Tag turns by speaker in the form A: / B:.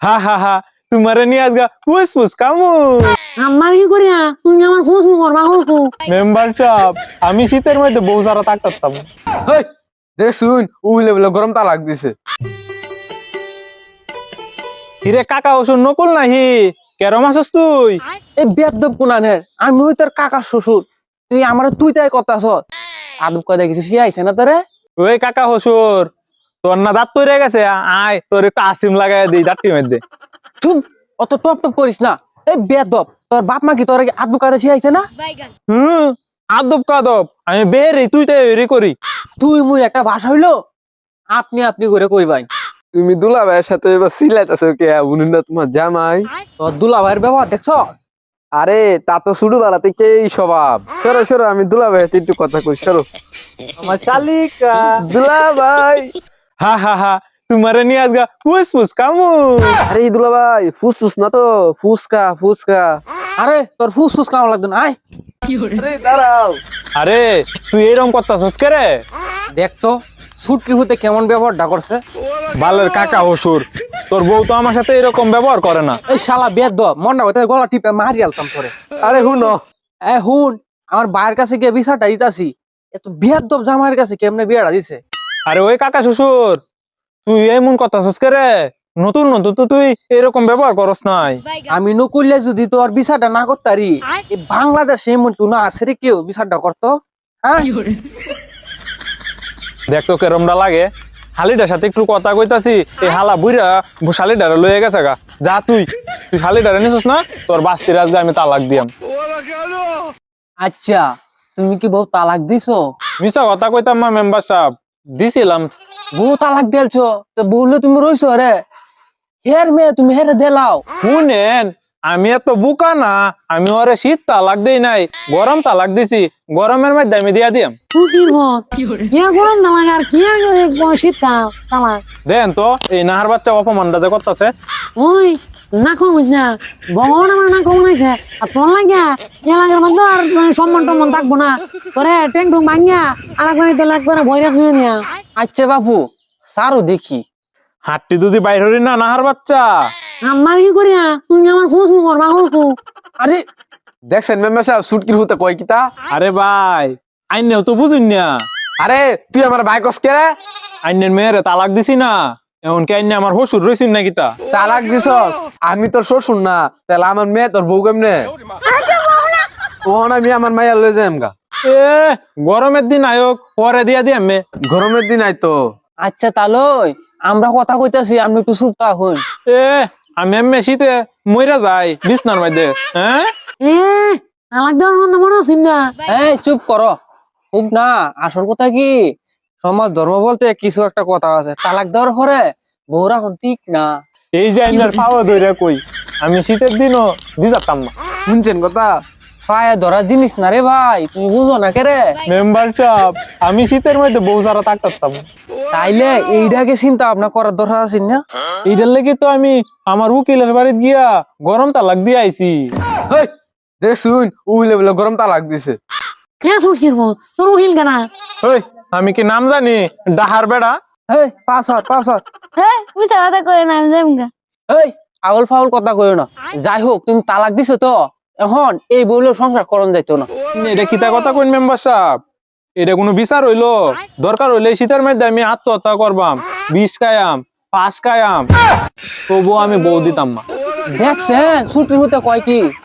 A: হা হা হা তোমারে নিয়ে আজগা পুস পুস কামু
B: আমার কি করিয়া তুমি আমার খোঁজ করবা হো
A: মেম্বার সাহেব আমি শীতের মধ্যে বউ সারা থাকতাম।
C: হেই দে শুন উইলে বলে গরম তালাক দিছে।
A: হিরে কাকা ওষুধ নকুল নাহি কেরম আছস তুই?
C: এই বেদব কোনানের আমি ওই তোর কাকা শ্বশুর, তুই আমার তুই তাই কথাছ আদব কয়দা কিছু শিয়াইছে না তোরে?
A: ওই কাকা হসুর তোর না দাঁত পড়ে গেছে, আয় তোর একটু আসিম লাগাই দিই দাঁতটির মধ্যে।
C: চুপ, অত টপ টপ করিস না। এই বেদব তোর বাপ মা কি তোর আদব কয়দা শিয়াইছে না?
A: হুম আদব কাদব আমি বেরি তুই তাই বেরি করি।
C: তুই মুই একটা ভাষা হইলো আপনি আপনি করে কইবাই।
D: তুমি দুলা ভাইয়ের সাথে এবার সিলাইতেছো কে? উনি না তোমার জামাই?
C: তোর দুলা ভাইয়ের ব্যবহার দেখছ?
D: আরে তা তো শুরু বেলা থেকেই স্বভাব। সরো সরো, আমি দুলা ভাইয়ের একটু কথা কই, সরো।
A: আমার শালিকা
D: দুলা ভাই,
A: হা হা হা তোমারে নিয়ে আজগা পুস পুস কামু।
D: আরে দুলা ভাই ফুসফুস না তো, ফুসকা ফুসকা।
C: আরে তোর ফুস ফুস কাম লাগতো না, আয়।
D: আরে দাঁড়াও।
A: আরে তুই এরকম করতাছস কে রে?
C: দেখ তো ছুটকি হতে কেমন ব্যবহারটা করছে।
A: বালের কাকা হসুর তোর বউ তো আমার সাথে এরকম ব্যবহার করে না।
C: এই শালা বেদ মন্ডা হইতে গলা টিপে মারি আলতাম তোরে।
D: আরে হুনো,
C: এ হুন, আমার ভাইয়ের কাছে গিয়ে বিচারটা দিতাছি, এত বেদব জামাইয়ের কাছে কেমনে বিয়েটা দিছে।
A: আরে ওই কাকা শ্বশুর তুই এমন করতাছস কে রে? নতুন নতুন তো তুই এরকম ব্যবহার করস নাই।
C: আমি নকুললে যদি তোর বিচারটা না করতারি, এই বাংলাদেশে এমন কেউ না আছে রে কেউ বিচারটা করতো? হ্যাঁ
A: দেখ তো কেরমটা লাগে। হালিটার সাথে একটু কথা কইতাছি, এই হালা বুইরা শালিডারে লয়ে গেছে গা। যা তুই তুই শালিডারে নিছিস না, তোর বাস্তি রাজগা আমি তালাক দিয়াম।
C: আচ্ছা, তুমি কি বউ তালাক দিছো?
A: মিছা কথা কইতাম না মেম্বার সাহেব, দিছিলাম।
C: বউ তালাক দিলছো তো বললে তুমি রইছো রে? হের মেয়ে তুমি হেরে দেলাও।
A: শুনেন আমি এত বুকা না, আমি ওরে শীত তালাক দেই নাই, গরম তালাক দিছি। গরমের মধ্যে আমি দিয়া দিয়াম।
B: তুই কি হল কি আর গরম না লাগে আর কি আর শীতকাল তালা
A: দেন তো এই নাহার বাচ্চা অপমানটা করতেছে।
B: ওই না কমিস না ভগবান আমার না কমাইছে আর তোর লাগিয়া এলাকার মধ্যে আর সম্মান টম্মান থাকবো না তোরে ট্যাং টুং ভাঙিয়া আর একবার তেল একবার ভয়রা ধুয়ে নিয়া
C: আচ্ছা বাপু সারো দেখি।
A: হাটটি যদি বাইর হরি না নাহার বাচ্চা।
B: আমার কি করিয়া তুমি আমার খোঁজ করবা খোঁজ।
C: আরে
D: দেখছেন মেম্বার সাহেব সুটকির হতে কয় কিতা?
A: আরে ভাই আইনেও তো বুঝুন না,
D: আরে তুই আমার ভাই কস কে রে?
A: আইনের মেয়েরে তালাক দিছি না, এখন কি আইনে আমার হসুর রইছিন নাকি তা?
D: তালাক দিছ? আমি তোর শ্বশুর না, তাহলে আমার মেয়ে তোর বউ কেমনে? ওহন আমি আমার মাইয়া লয়ে যাই আমগা।
A: এ গরমের দিন আয়োগ পরে দিয়া দিয়ে আমি।
D: গরমের দিন আইতো।
C: আচ্ছা তালই আমরা কথা কইতাছি, আপনি একটু চুপ থাকুন।
A: এ আমি এমনি শীতে মইরা যাই বিছনার মধ্যে। হ্যাঁ
B: এ তালাক দেওয়ার মধ্যে মনে আছিস না
C: এই চুপ করো, খুব না। আসল কথা কি, সমাজ ধর্ম বলতে কিছু একটা কথা আছে, তালাক দেওয়ার পরে বউরা এখন ঠিক না।
A: এই যে আইনার পাওয়া ধরে কই আমি শীতের দিনও দিতাম না।
D: শুনছেন কথা?
C: পায়ে ধরা জিনিস না রে ভাই, তুমি বুঝো না কে রে?
A: মেম্বার সাহেব আমি শীতের মধ্যে বউ সারা থাকতাম।
C: তাইলে এইটাকে চিন্তা ভাবনা করার দরকার আছে না?
A: এইটার লেগে তো আমি আমার উকিলের বাড়িতে গিয়া গরম তালাক দিয়ে আইছি।
D: হেই দেখ শুন উইলে বলে গরম তালাক দিছে।
B: কে সুখির মো তোর উকিল কেনা
A: ওই আমি কি নাম জানি ডাহার বেড়া?
C: এই পাঁচ
E: হ্যাঁ মিছা কথা করে না আমি যাইমগা।
C: এই আউল ফাউল কথা কইও না। যাই হোক তুমি তালাক দিছো তো, এখন এই বইলে সংসার করন যাইতো না।
A: এটা কিতা কথা কইন মেম্বার সাহেব? এটা কোনো বিচার হইলো? দরকার হইলে এই শীতের মধ্যে আমি আত্মহত্যা করবাম, 20 খায়াম 5 খায়াম, তবুও আমি বউ দিতাম না।
C: দেখছেন ছুটি হতে কয় কি